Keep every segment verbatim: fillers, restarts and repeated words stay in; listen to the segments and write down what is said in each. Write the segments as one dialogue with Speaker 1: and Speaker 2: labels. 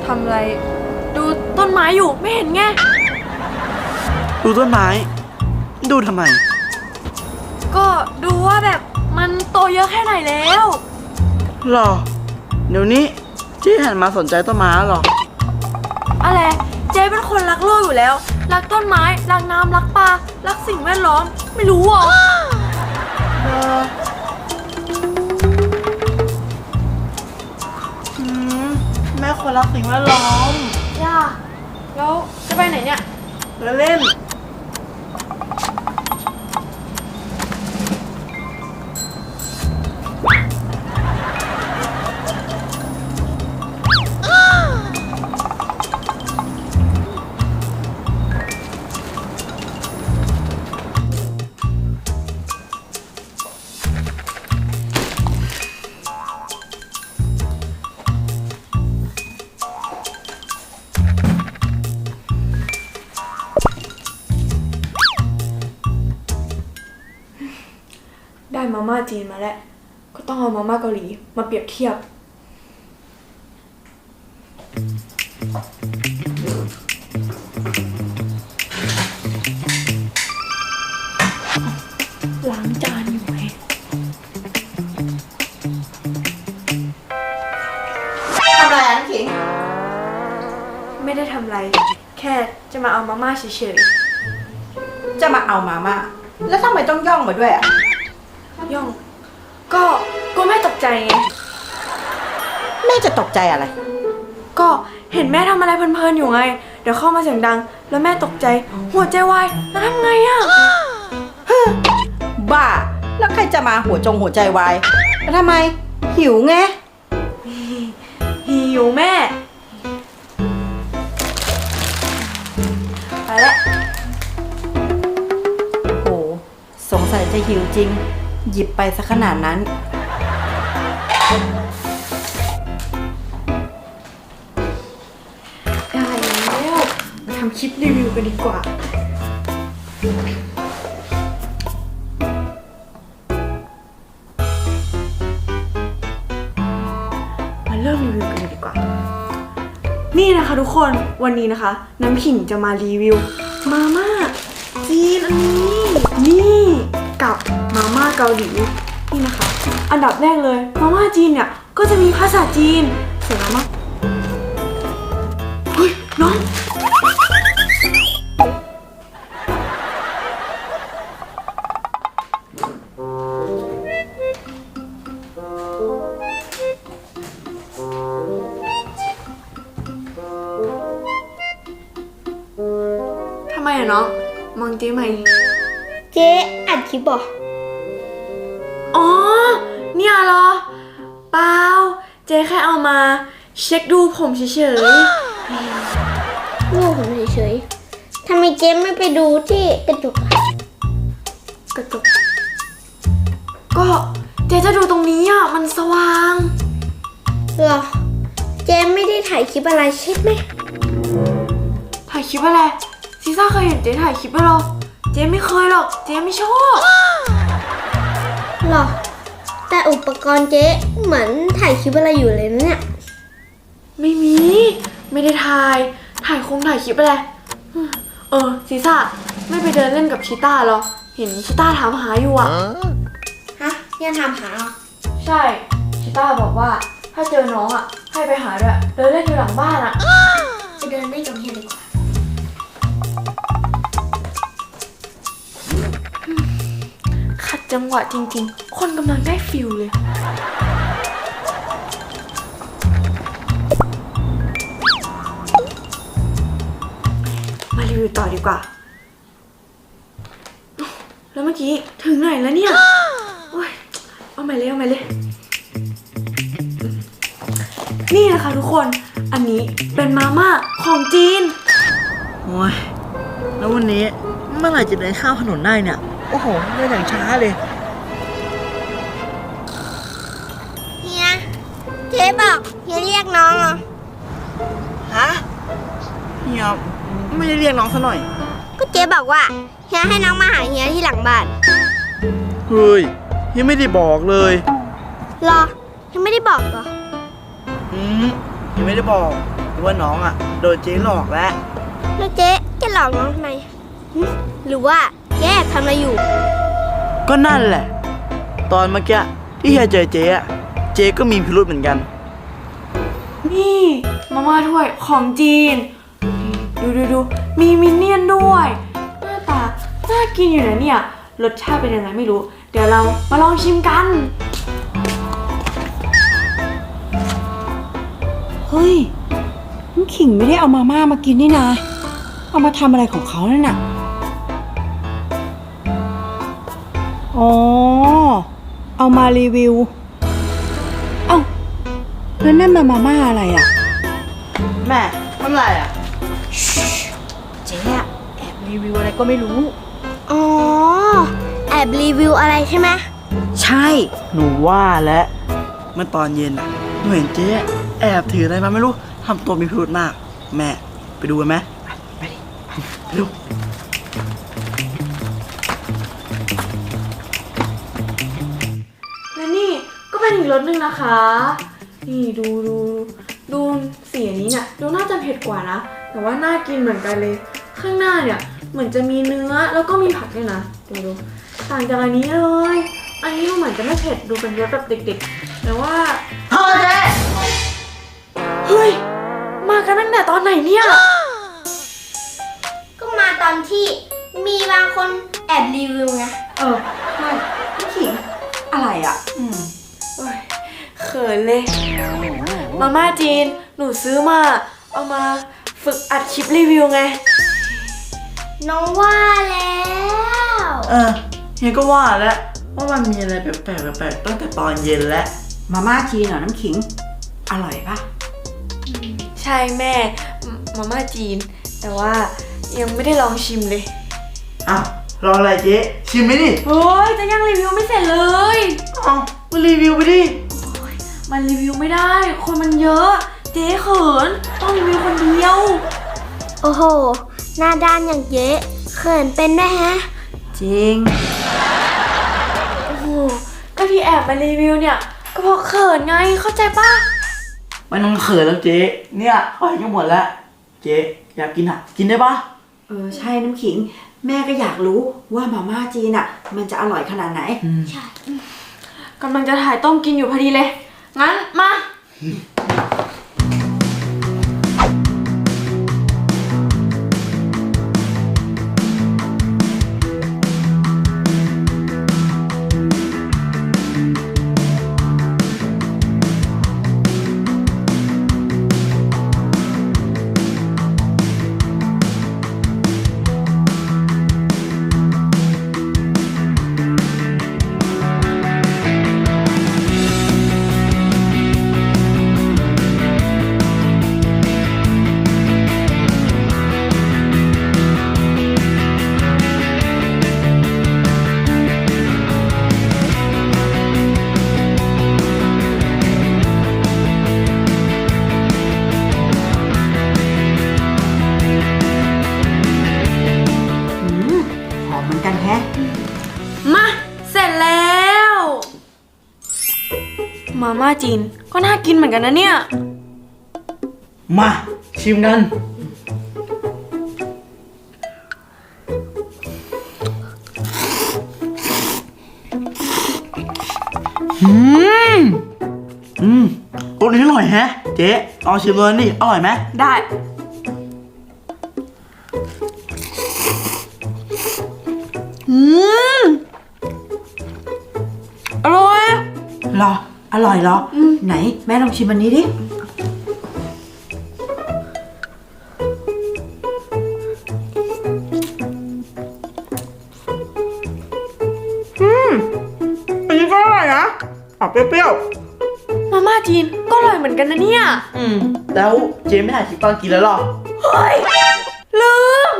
Speaker 1: ทำอะไรดูต้นไม้อยู่ไม่เห็นไง
Speaker 2: ดูต้นไม้ดูทำไม
Speaker 1: ก็ดูว่าแบบมันโตเยอะแค่ไหนแล้ว
Speaker 2: หรอเดี๋ยวนี้เจ๊หันมาสนใจต้นไม้หรอ
Speaker 1: อะไรเจ๊เป็นคนรักโลกอยู่แล้วรักต้นไม้รักน้ำรักปลารักสิ่งแวดล้อมไม่รู้หรอ
Speaker 2: เอออืมแม่คนรักสิ่งแวดล้อม
Speaker 1: ย่าแล้วจะไปไหนเนี่ย
Speaker 2: ไปเล่น
Speaker 1: ได้มาม่าจีนมาแล้วก็ต้องเอามาม่าเกาหลีมาเปรียบเทียบล้างจานอยู่ไหม
Speaker 3: ทำอะไรอ่ะน้ำขิง
Speaker 1: ไม่ได้ทำอะไรแค่จะมาเอามาม่าเฉย
Speaker 3: ๆจะมาเอามาม่าแล้วทำไมต้องย่องมาด้วยอ่ะ
Speaker 1: ย่องก็ก็แม่ตกใจไง
Speaker 3: แม่จะตกใจอะไร
Speaker 1: ก็เห็นแม่ทำอะไรเพลินๆอยู่ไงเดี๋ยวเข้ามาเสียงดังแล้วแม่ตกใจหัวใจวายแล้วทำไงอ่ะ
Speaker 3: บ้าแล้วใครจะมาหัวจงหัวใจวายแล้วทำไมหิวไง
Speaker 1: หิวแม่ไปแล้ว
Speaker 3: โอ้สงสัยจะหิวจริงหยิบไปซะขนาดนั้น
Speaker 1: ได้แล้วมาทำคลิปรีวิวกันดีกว่ามาเริ่มรีวิวกันเลยดีกว่านี่นะคะทุกคนวันนี้นะคะน้ำขิงจะมารีวิวมาม่าจีนอันนี้นี่กับมาม่าเกาหลีนี่นะคะอันดับแรกเลยมาม่าจีนเนี่ยก็จะมีภาษาจีนส่วนมาม่าเฮ้ยน้องทำไมอะน้องมองเจ๊ไหม
Speaker 4: เจ๊อัดคลิปบ่
Speaker 1: อ๋อเนี่ยเหรอเปล่าเจ๊แค่เอามาเช็คดูผมเฉย
Speaker 4: ๆดูผมเฉยๆทำไมเจ๊ไม่ไปดูที่กระจก
Speaker 1: กระจกก็เจ๊จะดูตรงนี้อ่ะมันสว่าง
Speaker 4: เหรอเจ๊ไม่ได้ถ่ายคลิปอะไรใช่ไหม
Speaker 1: ถ่ายคลิปอะไรซีซ่าเคยเห็นเจ๊ถ่ายคลิปไหมหรอเจ๊ไม่เคยหรอกเจ๊ไม่ชอบ
Speaker 4: หรอแต่อุปกรณ์เจ๊เหมือนถ่ายคลิปอะไรอยู่เลยนะเนี่ย
Speaker 1: ไม่มีไม่ได้ถ่ายถ่ายคงถ่ายคลิปอะไรเออซีซ่าไม่ไปเดินเล่นกับชิต้าหรอเห็นชิต้าถามหาอยู่อ่ะ
Speaker 4: ฮะยังถามหาเหรอ
Speaker 1: ใช่ชิต้าบอกว่าถ้าเจอน้องอ่ะให้ไปหาด้วยเดินเล่นอยู่หลังบ้านอ่ะ
Speaker 4: ไปเดินเล่นกับเฮียดีกว่า
Speaker 1: ขัดจังหวะจริงๆคนกำลังได้ฟิลเลยมารีวิวต่อดีกว่าแล้วเมื่อกี้ถึงไหนแล้วเนี่ยโอ้ยเอาใหม่เลยเอาใหม่เลยนี่นะคะทุกคนอันนี้เป็นมาม่าของจีน
Speaker 2: โอ้ยแล้ววันนี้เมื่อไหร่จะเดินข้ามถนนได้เนี่ยโอ้โหเดินอย่างช้าเลย
Speaker 4: เฮียเจ๊บอกเฮียเรียกน้องเหรอ
Speaker 2: ฮะเฮียไม่ได้เรียกน้องซะหน่อย
Speaker 4: ก็เจ๊บอกว่าเฮียให้น้องมาหาเฮียที่หลังบ้าน
Speaker 2: เฮ้ยเฮียไม่ได้บอกเลย
Speaker 4: หรอยังไม่ได้บอกเหรอ
Speaker 2: อืมเฮียไม่ได้บอกว่าน้องอ่ะโดนเจ๊หลอกแล้ว
Speaker 4: แล้วเจ๊จะหลอกน้องทำไมหึหรือว่าเจ๊แอบทำอะไรอยู่
Speaker 2: ก็นั่นแหละ ตอนเมื่อกี้ที่เฮียเจอเจ๊อะเจ๊ก็มีพิรุธเหมือนกัน
Speaker 1: นี่มาม่าถ้วยของจีน ดูดูดูมีมินเนี่ยนด้วย หน้าตาน่ากินอยู่นะเนี่ย รสชาติเป็นยังไงไม่รู้ เดี๋ยวเรามาลองชิมกัน
Speaker 3: เฮ้ยน้ำขิงไม่ได้เอามาม่ามากินนี่นะ เอามาทำอะไรของเขานั่นน่ะ อ๋อ เอามารีวิว เอ้าแล้วนั่นมามาม่าอะไรอ่ะ
Speaker 2: แม่มันอะไรอ่ะ
Speaker 3: เจ๊อะแอบรีวิวอะไรก็ไม่รู้
Speaker 4: อ๋อ แอบรีวิวอะไรใช่ไหม
Speaker 3: ใช่
Speaker 2: หนูว่าแล้วเมื่อตอนเย็นอ่ะหนูเห็นเจ๊แอบถืออะไรมาไม่รู้ทำตัวมีพิรุธมาก แม่ไปดูกันไหมไปดิไปดู
Speaker 1: และนี่ก็เป็นอีกรสหนึ่งนะคะ นี่ดูดูดูสีอันนี้เนี่ยดูน่าจะเผ็ดกว่านะ แต่ว่าน่ากินเหมือนกันเลย ข้างหน้าเนี่ยเหมือนจะมีเนื้อแล้วก็มีผักด้วยนะ ดูดูต่างจากอันนี้เลย อันนี้ดูเหมือนจะไม่เผ็ดดูเป็นรสแบบเด็กๆ แต่ว่า
Speaker 2: พ่อเจ๊
Speaker 1: เฮ้ย มากันตั้งแต่ตอนไหนเนี่ย
Speaker 4: ก็มาตอนที่มีบางคนแอบรีวิวไง
Speaker 1: เออใช่พี่ขิง
Speaker 3: อะไรอ่ะ
Speaker 2: อืม
Speaker 1: โอ้ยเขินเลย มาม่าจีน หนูซื้อมา เอามาฝึกอัดคลิปรีวิวไง
Speaker 4: น้องว่าแล้ว
Speaker 2: เออเฮียก็ว่าแล้วว่ามันมีอะไรแปลกๆแปลกๆตั้งแต่ตอนเย็นแล้ว
Speaker 3: มาม่าจีนเหรอน้ำขิง อร่อยปะ
Speaker 1: ใช่แม่มมาม่าจีน แต่ว่ายังไม่ได้ลองชิมเลย
Speaker 2: อ้าวรออะไรเจ๊ชิมไหมดิ
Speaker 1: เฮ้ย จะยังรีวิวไม่เสร็จเลย
Speaker 2: เอ้ามารีวิวไปดิ
Speaker 1: มันรีวิวไม่ได้ คนมันเยอะ เจ๊เขิน ต้องรีวิวคนเดียว
Speaker 4: โอ้โห หน้าด้านอย่างเจ๊เขินเป็นได้ฮะ
Speaker 3: จริง
Speaker 1: โอ้โห ก็ที่แอบมารีวิวเนี่ย ก็เพราะเขินไง เข้าใจปะ
Speaker 2: ไม่ต้องเขินแล้วเจ๊เนี่ยเขาให้กันหมดแล้ว เจ๊อยากกินอ่ะ กินได้ปะ
Speaker 3: เออใช่น้ำขิง แม่ก็อยากรู้ว่ามาม่าจีนอ่ะ มันจะอร่อยขนาดไหน
Speaker 4: ใช่
Speaker 1: กำลังจะถ่ายต้มกินอยู่พอดีเลย งั้นมา
Speaker 3: หอมเหมือนกันแฮะ
Speaker 1: มา เสร็จแล้ว มาม่าจีน ก็น่ากินเหมือนกันนะเนี่ย
Speaker 2: มาชิมกันอืมอืมตัวนี้อร่อยแฮะ เจ๊ลองชิมเลยนี่อร่อยไหม
Speaker 1: ได้ อืม อร่อย
Speaker 3: เหรอ อร่อยเหรอ ไหน แม่ลองชิมอันนี้ดิ
Speaker 2: อันนี้ก็อร่อยนะออกเปรี้ยว
Speaker 1: มาม่าจีน ก็อร่อยเหมือนกันนะเนี่ย
Speaker 2: ๆอืมแล้วเจ๊ไม่ถ่ายคลิปตอนกินแล้วหรอ
Speaker 1: เฮ้ย ลืม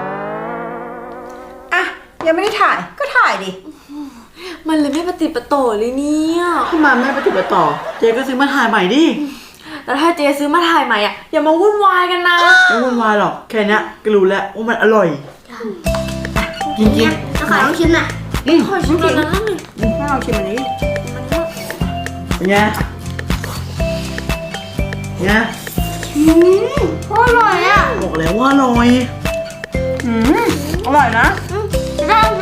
Speaker 3: อ่ะ ยังไม่ได้ถ่าย ก็ถ่ายดิ
Speaker 1: มันเลยไม่ปฏิดประโต่อเลยเนี่ย
Speaker 2: ทำไมไม่ไปติดไปต่อ เจ๊ก็ซื้อมาถ่ายใหม่ดิ
Speaker 1: แล้วถ้าเจซื้อมาถ่ายใหม่อ่ะ อย่ามาวุ่นวายกันนะ
Speaker 2: ไม่วุ่นวายหรอก แค่เนี้ยก็รู้แล้วว่ามันอร่อย
Speaker 3: จริง
Speaker 4: เนี่ยเอาขอลองชิมหน่อย
Speaker 2: อืม
Speaker 1: ขอชิมก่อนนะ
Speaker 3: ๆแม่ลองชิมอันนี้ดิ
Speaker 2: เป็นไงเป็นไง
Speaker 4: อ
Speaker 1: อืมอร่อยอ่ะ
Speaker 2: บอกแล้วว่าอร่อย
Speaker 1: อืมอร่อยนะ
Speaker 4: อืมจะได้